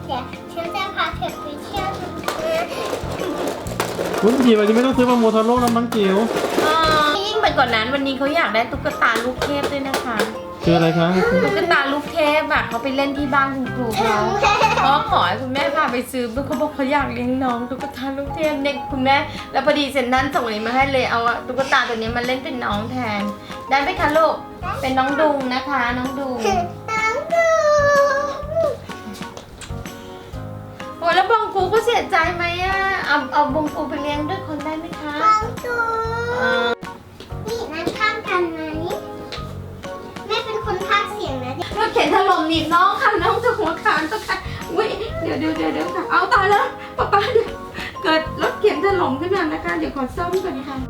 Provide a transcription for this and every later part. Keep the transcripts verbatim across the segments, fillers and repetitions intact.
เดี๋ยวฉันจะพาเธอไปเที่ยวคุณจิ๋ววันนี้ไม่ต้องซื้อมาโมโทโร่แล้วมั้งจิ๋วยิ่งไปกว่านั้นวันนี้เขาอยากได้ตุ๊กตาลูกเทพด้วยนะคะคืออะไรคะตุ๊กตาลูกเทพอะเขาไปเล่นที่บ้านคุณครูเขาเพราะขอให้คุณแม่พาไปซื้อเพราะเขาบอกเขาอยากเลี้ยงน้องตุ๊กตาลูกเทพเด็กคุณแม่แล้วพอดีเซนนั้นส่งอันนี้มาให้เลยเอาตุ๊กตาตัวนี้มาเล่นเป็นน้องแทนได้ไหมคะลูกเป็นน้องดุงนะคะน้องดุงน้องดูโอ้แล้วบองกูก็เสียใจไหมอะเอาเอาบองกูไปเลี้ยงด้วยคนได้ไหมคะน้องดูนี่นั่งข้างกันไหมแม่เป็นคนพากย์เสียงนะเดี๋ยวรถเข็นถล่มหนีบน้องค่ะน้องจะหัวขาดก็ค่ะอุ้ยเดี๋ยวเดี๋ยวเดี๋ยวเดี๋ยวค่ะเอาตายแล้วป๊าป๊าเดี๋ยวเกิดรถเข็นถล่มขึ้นมานะคะเดี๋ยวขอซ่อมก่อนค่ะ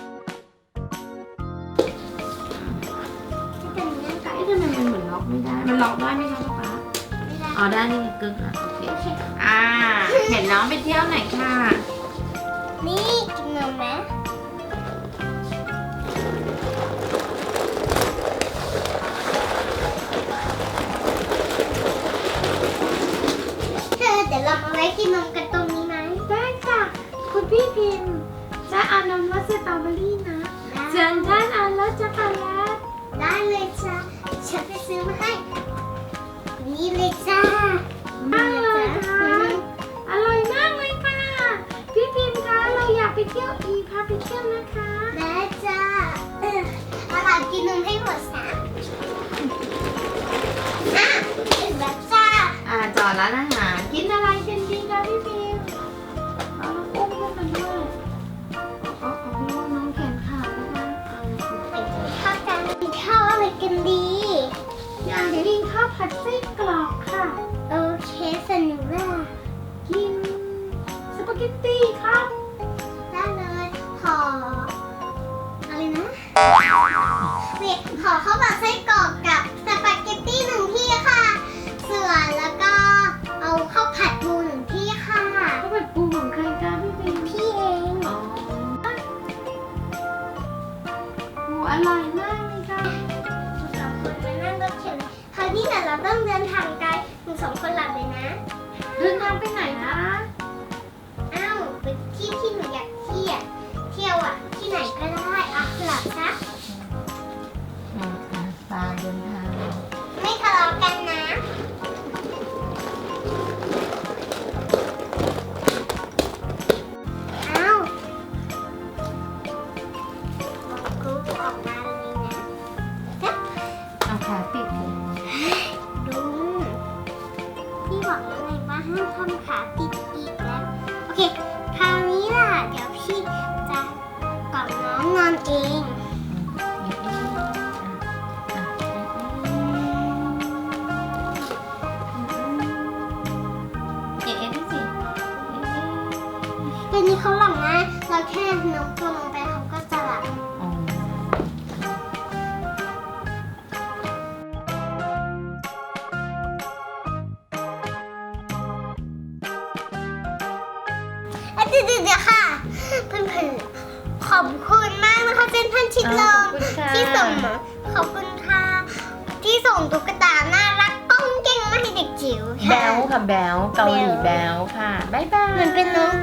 เป็นอย่างนั้นก่อนเอ๊ะทำไมมันเหมือนล็อกไม่ได้ มันล็อกได้ไหมคะป๊าป๊าไม่ได้อ๋อได้นี่ไงกึ๊กอ่ะโอเคอ่าเห็นน้องไปเที่ยวไหนค่ะนี่กินนมไหมเธอเดี๋ยวเรามาไว้กินนมกันตรงนี้ไหมได้ค่ะคุณพี่พิมพ์จะเอานมรสสตรอเบอรี่นะเชิญท่านเอารสช็อกโกแลตได้เลยจ้าฉันไปซื้อมาให้ นี่เลยจ้าอร่อยค่ะอร่อยมากเลยค่ะพี่พิมพ์คะเราอยากไปเที่ยวอีกพาไปเที่ยวนะคะได้จ้าเออเอาล่ะกินนมให้หมดนะอ่ะถึงแล้วจ้าอ่าจอดร้านอาหารกินอะไรกันดีคะพี่พิมพ์เอาลูกอุ้มขึ้นมาด้วยเอาเอาพี่ว่าน้องแขนขาดนะคะเอาไปกินข้าวกันกินข้าวอะไรกันดีอยากกินข้าวผัดไส้กรอกค่ะโอเคสนุกว่ากินสปาเกตตี้ครับได้เลยขออะไรนะเรียกขอข้าวผัดไส้กรอกกับสปาเกตตี้หนึ่งที่ค่ะ ส่วนแล้วก็เอาข้าวผัดปูหนึ่งที่ค่ะข้าวผัดปูของใครคะพี่พิมพ์พี่เองอ๋อโอ้อร่อยมากเลยค่ะสองคนมานั่งรถเข็นคราวนี้เดี๋ยวเราต้องเดินทางไกลถึงสองคนหลับเลยนะเดินทางไปไหนคะอ้าวไปที่ที่หนูอยากเที่ยวเที่ยวอ่ะ ที่ไหนก็ได้อ่ะหลับซะอ่าอ่าตาเดินทางไม่ทะเลาะกันนะอ้าวกูออกมาเลยนะจ๊ะเอาขาติดเลยดูพี่บอกแล้วไงว่าห้ามทำขาติดอีกแล้ว โอเค คราวนี้ล่ะ เดี๋ยวพี่จะกล่อมน้องนอนเองเอ๊ะเอ๊ะดูสิเอ๊ะเอ๊ะเดี๋ยวนี้เขาหลับนะเราแค่นกตัวลงไปเขาก็จะหลับอ๋ออ่ะเดี๋ยวเดี๋ยวค่ะ เพื่อนๆขอบคุณมากนะคะเจนท่านชิดลมที่ส่งมาขอบคุณค่ะ ที่ส่งตุ๊กตาน่ารักก้องเก่งมาให้เด็กจิ๋วแบลค่ะแบลเกาหลีแบลค่ะบ๊ายบายเหมือนเป็นน้อง